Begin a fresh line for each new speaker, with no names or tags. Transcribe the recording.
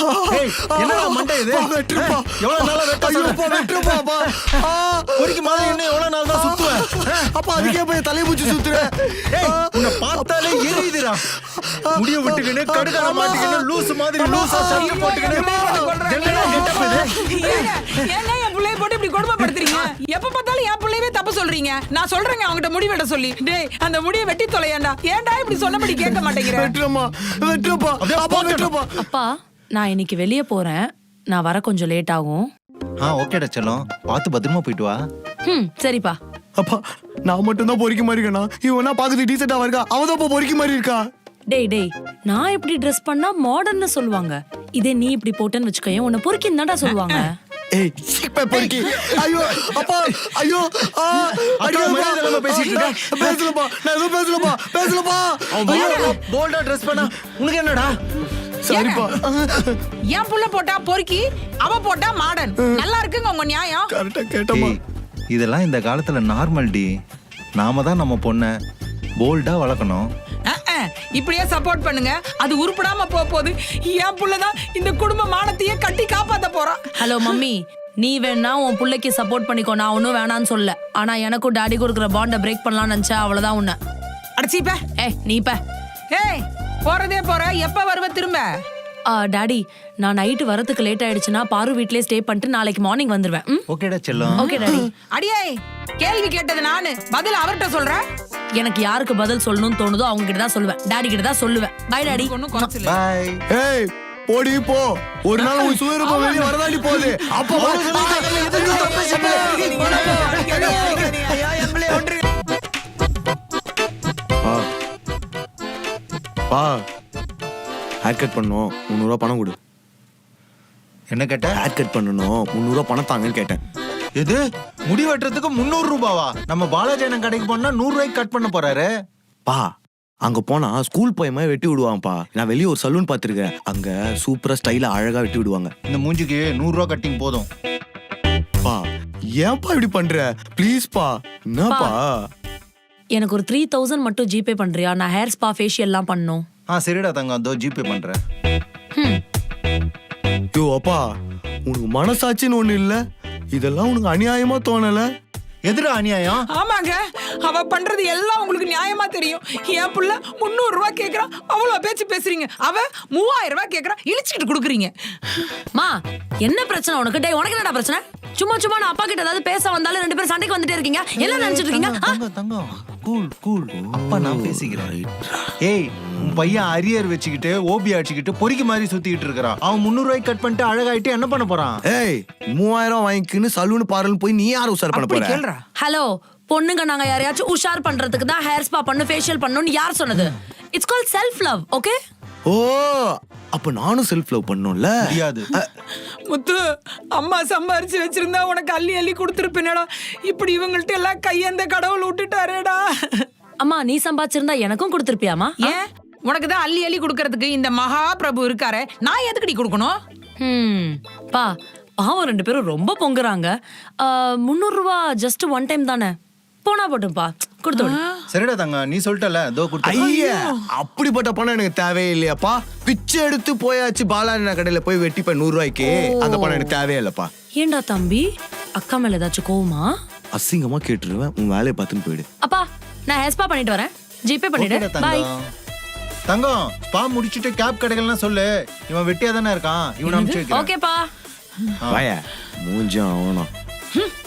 என்னடா மண்டை இது?
வெட்டுப்பா.
எவ்வளவு நாளா வெட்ட
ஐயோப்பா, வெட்டுப்பாப்பா.
பொறிக்கு மாதிரி இன்னும் எவ்வளவு நாள் தான் சுத்துவேன்?
அப்பா அதுக்கே போய் தலையை பூச்சி சுத்துறேன்.
உன்னை பார்த்தாலே எரியுதுடா. முடிய விட்டுக்கின்னு கடுக்கார மாட்டிக்கின்னு லூசு மாதிரி லூசா சட்டை போட்டுக்கின்னு என்னடா கெட்டப் இது?
ஏங்க என் பிள்ளைய போட்டு இப்படி கொடுமைப்படுத்துறீங்க? எப்ப பார்த்தாலும் என் பிள்ளையவே தப்பு சொல்றீங்க. நான் சொல்றேங்க அவங்கிட்ட முடி வெட்ட சொல்லி. டேய் அந்த முடியை வெட்டி தொலையாண்டா. ஏன்டா இப்படி சொன்னபடி கேட்க மாட்டேங்கிற?
வெட்டுறமா, வெட்டுப்பா. அப்பா வெட்டுப்பா.
அப்பா நான் இன்னைக்கு வெளியே போறேன். நான் வர கொஞ்சம் லேட் ஆகும்.
ஓகேடா செல்லம், பார்த்து பத்திரமா போயிட்டு வா.
சரிப்பா.
அப்பா நான் மட்டும் தான் பொறிக்க மாதிரி இருக்கேனா? இவனா பாக்குறது டீசெண்டா இருக்கா, அவதான் பொறிக்க மாதிரி இருக்கா.
டேய் நான் இப்படி ட்ரெஸ் பண்ணா மாடர்ன்னு சொல்லுவாங்க. இதே நீ இப்படி போட்டேன்னு வச்சுக்கோயேன், உன்னை பொறுக்கின்னு தான்டா சொல்லுவாங்க.
ஏய் சீப்பை பொறுக்கி. ஐயோ அப்பா, ஐயோ
பேசிட்டு இருக்க.
பேசலப்பா, நான் எதுவும் பேசலப்பா.
போல்டா ட்ரெஸ் பண்ணா உனக்கு என்னடா?
சரிப்பா.
என் புள்ள போட்டா பொறுக்கி, அவ போட்டா மாடர்ன். நல்லா இருக்குங்க உங்க நியாயம்.
கரெக்டா கேட்டமா.
இதெல்லாம் இந்த காலத்துல நார்மல் டி. நாம தான் நம்ம பொண்ண போல்டா வளர்க்கணும்.
இப்படியே சப்போர்ட் பண்ணுங்க. அது உருப்படாம போகுது. என் புள்ளதான் இந்த குடும்ப மானத்தையே கட்டி காப்பாத்த போறான்.
ஹலோ மம்மி, நீ வேணா உன் புள்ளைக்கு சப்போர்ட் பண்ணிக்கோ, நான் ஒன்னும் வேணான்னு சொல்ல. ஆனா எனக்கும் டாடி கொடுக்குற பாண்ட பிரேக் பண்ணலாம்னு நினைச்சா அவ்வளவுதான் உன்ன.
அடிச்சிப்ப.
நீப்ப.
ஏய் போறதே போற, எப்ப வருவ திரும்ப?
டாடி நான் நைட்டு வரதுக்கு லேட் ஆயிடுச்சுன்னா பாரு வீட்லயே ஸ்டே பண்ணிட்டு நாளைக்கு மார்னிங் வந்துருவேன்.
ஓகேடா செல்லம்.
Okay daddy.
அடியே கேள்வி கேட்டது நானு, பதில் அவர்கிட்ட சொல்றேன்.
எனக்கு யாருக்கு பதில் சொல்லணும்னு தோணுதோ அவங்க கிட்ட தான் சொல்லுவேன். டாடி கிட்ட தான் சொல்லுவேன். Bye daddy.
ஒண்ணும் குறைச்சல.
பை.
ஏய் போடி போ. ஒரு நாள் உன் சுயரூபம் வெளியே வரதாடி போகுது. அப்பா பா ஹேர் கட் பண்ணணும், 300 ரூபா பணம் கொடு.
என்ன கேட்ட?
ஹேர் கட் பண்ணணும், 300 ரூபா பணம் தாங்கன்னு கேட்டேன்.
எது? முடி வெட்டுறதுக்கு 300 ரூபாவா? நம்ம பாலாஜி கடைக்கு போனா 100 ரூபாய்க்கு கட் பண்ண போறாரு.
பா அங்க போனா ஸ்கூல் பையமா வெட்டி விடுவான்ப்பா. நான் வெளியே ஒரு சலூன் பாத்துருக்கேன், அங்க சூப்பரா ஸ்டைலா அழகா வெட்டி விடுவாங்க.
இந்த மூஞ்சிக்கு 100 ரூபா கட்டிங் போதும்.
பா ஏன்பா இப்படி பண்ற? ப்ளீஸ் பா. என்னப்பா?
எனக்கு ஒரு 3000 மட்டும் ஜிபே பண்றியா? நான் ஹேர் ஸ்பா ஃபேஷியல் எல்லாம் பண்ணனும்.
சரிடா தங்கம், அதோ ஜிபே பண்றேன்.
யோ அப்பா, உனக்கு மனசாட்சின்னு ஒண்ணு இல்ல? இதெல்லாம் உனக்கு அநியாயமா தோணல?
எதுடா அநியாயம்?
ஆமாங்க, அவ பண்றது எல்லாம் உங்களுக்கு நியாயமா தெரியும். என் புள்ள 300 ரூபாய் கேக்குறான், அவ்வளவு பேச்சு பேசுறீங்க. அவ 3000 ரூபாய் கேக்குறா, இழிச்சிட்டு குடுக்குறீங்க.
மா என்ன பிரச்சனை உனக்கு? டேய் உனக்கு என்னடா பிரச்சனை? சும்மா நான் அப்பா கிட்ட ஏதாவது பேச வந்தாலும் ரெண்டு பேரும் சண்டைக்கு வந்துட்டே இருக்கீங்க. என்ன நினைச்சிட்டு இருக்கீங்க?
தங்கம் கூல். அப்பா நான் பேசிக்கிறேன். ஏய் உன் பையன் அரியர் வச்சுக்கிட்டு ஓபி அடிச்சுக்கிட்டு பொறிக்கு மாதிரி சுத்திட்டு இருக்கிறான். அவன் 300 ரூபாய்க்கு கட் பண்ணிட்டு அழகாயிட்டு என்ன பண்ண போறான்?
ஏய் 3000 வாங்கிக்கின்னு சலூன் பார்லர் போய் நீ யார் உஷார் பண்ண போற?
கேளுடா.
ஹலோ பொண்ணுங்க, நாங்க யாரையாச்சும் உஷார் பண்றதுக்கு தான் ஹேர் ஸ்பா பண்ணு ஃபேஷியல் பண்ணனும்னு யார் சொன்னது? It's called self love. Okay?
ஓ அப்ப நானும் செல்ஃப் லவ் பண்ணனும்ல?
முடியாது.
முத்து, அம்மா சம்பாரிச்சு வச்சிருந்தா உனக்கு அள்ளி கொடுத்துருப்பேனடா. இப்படி இவங்கள்ட்ட எல்லாம் கையந்த கடவுள் விட்டுட்டாரேடா.
அம்மா நீ சம்பாதிச்சிருந்தா எனக்கும் கொடுத்துருப்பியாமா?
ஏன் உனக்கு தான் அள்ளி கொடுக்கறதுக்கு இந்த மகா பிரபு இருக்காரே, நான் எதுக்குடி கொடுக்கணும்?
பா பாவம் ரெண்டு பேரும் ரொம்ப பொங்குறாங்க. 300 ரூபா ஜஸ்ட் ஒன் டைம் தானே, போனா போட்டும்பா கொடுத்து விடு.
சரிடா தங்கம், நீ சொல்லிட்டல அதோ கொடுத்து.
ஐயா அப்படிப்பட்ட பணம் எனக்கு தேவையே இல்லையாப்பா. பிச்சை எடுத்து போயாச்சு பாலாஜி கடையில போய் வெட்டிப்ப 100 ரூபாய்க்கு. அந்த பணம் எனக்கு தேவையே இல்லப்பா.
ஏண்டா தம்பி, அக்கா மேல ஏதாச்சும் கோவமா?
அசிங்கமா கேட்டுருவேன், உன் வேலையை பார்த்துன்னு போயிடு.
அப்பா நான் ஹேர் ஸ்பா பண்ணிட்டு வரேன், ஜிபே பண்ணிடு. பை.
தங்கம் ஸ்பா முடிச்சிட்டு கேப் கடைகள்லாம் சொல்லு. இவன் வெட்டியா தானே இருக்கான், இவன் அனுப்பிச்சு வைக்கிறேன்.
ஓகேப்பா.
வாயா மூஞ்சும் ஆகணும்.